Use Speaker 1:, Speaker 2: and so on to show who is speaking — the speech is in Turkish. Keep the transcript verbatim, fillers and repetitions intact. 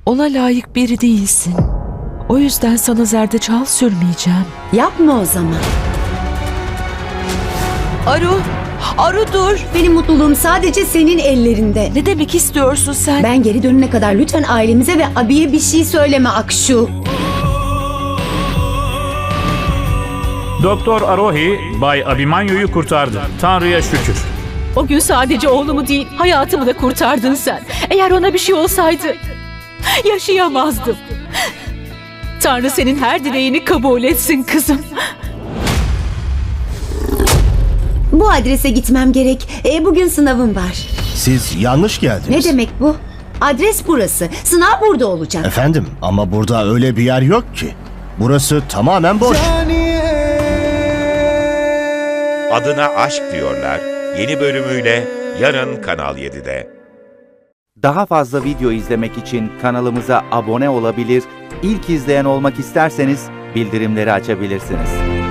Speaker 1: Ona layık biri değilsin. O yüzden sana zerdeçal sürmeyeceğim.
Speaker 2: Yapma o zaman.
Speaker 1: Aru, Aru dur.
Speaker 2: Benim mutluluğum sadece senin ellerinde.
Speaker 1: Ne demek istiyorsun sen?
Speaker 2: Ben geri dönene kadar lütfen ailemize ve abiye bir şey söyleme Akşu.
Speaker 3: Doktor Arohi, Bay Abimanyu'yu kurtardı. Tanrı'ya şükür.
Speaker 4: O gün sadece oğlumu değil, hayatımı da kurtardın sen. Eğer ona bir şey olsaydı yaşayamazdım. Tanrı senin her dileğini kabul etsin kızım.
Speaker 2: Bu adrese gitmem gerek. E, bugün sınavım var.
Speaker 5: Siz yanlış geldiniz.
Speaker 2: Ne demek bu? Adres burası. Sınav burada olacak.
Speaker 5: Efendim, ama burada öyle bir yer yok ki. Burası tamamen boş.
Speaker 6: Adına Aşk Diyorlar yeni bölümüyle yarın Kanal yedide.
Speaker 7: Daha fazla video izlemek için kanalımıza abone olabilir, ilk izleyen olmak isterseniz bildirimleri açabilirsiniz.